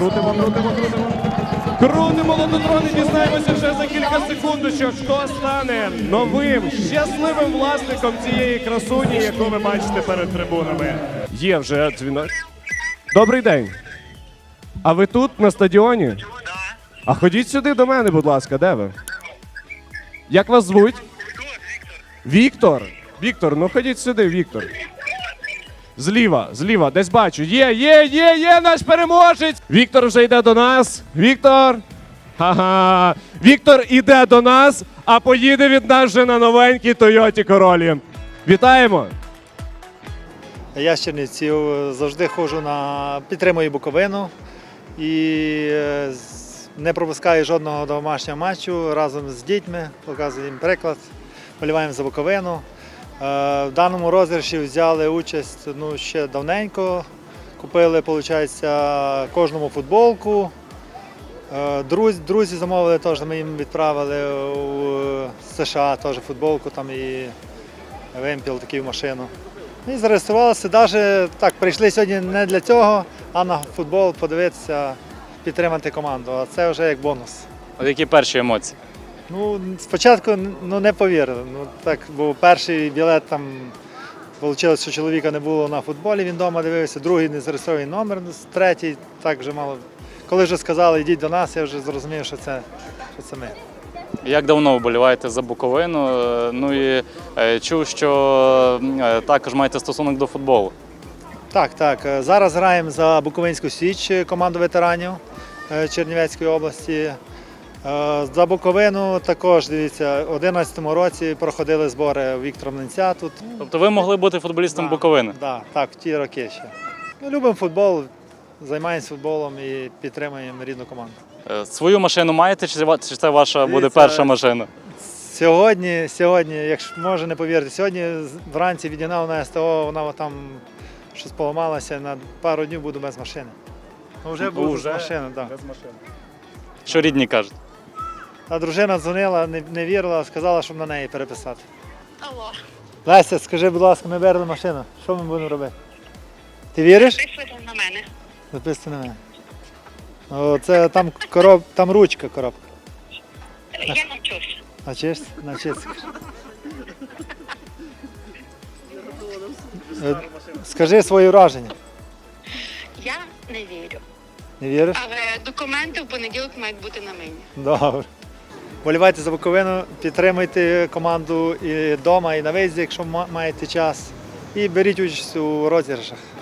Крутимо. Крутимо лототрон і дізнаємося вже за кілька секундочок, хто стане новим, щасливим власником цієї красуні, яку ви бачите перед трибунами. Є вже дзвінок. Добрий день. А ви тут, на стадіоні? А ходіть сюди до мене, будь ласка, де ви? Як вас звуть? Віктор. Віктор, ну ходіть сюди, Віктор. Зліва, десь бачу. Є наш переможець! Віктор вже йде до нас. Віктор! Ха-ха! Віктор іде до нас, а поїде від нас вже на новенькій Тойоті Королі. Вітаємо! Я з Чернівців завжди ходжу підтримую Буковину і не пропускаю жодного домашнього матчу разом з дітьми, показую їм приклад, вболіваємо за Буковину. В даному розіграші взяли участь ще давненько, купили, виходить, кожному футболку. Друзі замовили, теж ми їм відправили у США теж футболку там і вимпіл такий в машину. І зареєструвалися, навіть так, прийшли сьогодні не для цього, а на футбол подивитися, підтримати команду, а це вже як бонус. А які перші емоції? Спочатку не повірили, так, бо перший білет там, вийшло, що чоловіка не було на футболі, він вдома дивився, другий не зареєстрований номер, третій так вже мало. Коли вже сказали, йдіть до нас, я вже зрозумів, що це ми. Як давно вболіваєте за Буковину? Ну і чув, що також маєте стосунок до футболу. Так. Зараз граємо за Буковинську Січ, команду ветеранів Чернівецької області. За Буковину також, дивіться, у 2011 році проходили збори Віктора Млинця тут. Тобто ви могли бути футболістом Буковини? Так, в ті роки ще. Любимо футбол, займаємося футболом і підтримуємо рідну команду. Свою машину маєте, чи це ваша буде перша машина? Сьогодні, якщо може не повірити, сьогодні вранці відігнав на СТО, вона там щось поламалася, на пару днів буду без машини. Вже буду без машини, так. Що рідні кажуть? А дружина дзвонила, не вірила, сказала, щоб на неї переписати. Алло. Леся, скажи, будь ласка, ми беремо машину, що ми будемо робити? Ти віриш? Записуйте на мене. Записуйте на мене. Це там ручка, коробка. Я навчусь. Навчишся. Скажи свої враження. Я не вірю. Не віриш? Але документи в понеділок мають бути на мені. Добре. Вболівайте за Буковину, підтримуйте команду і вдома, і на виїзді, якщо маєте час. І беріть участь у розіграшах.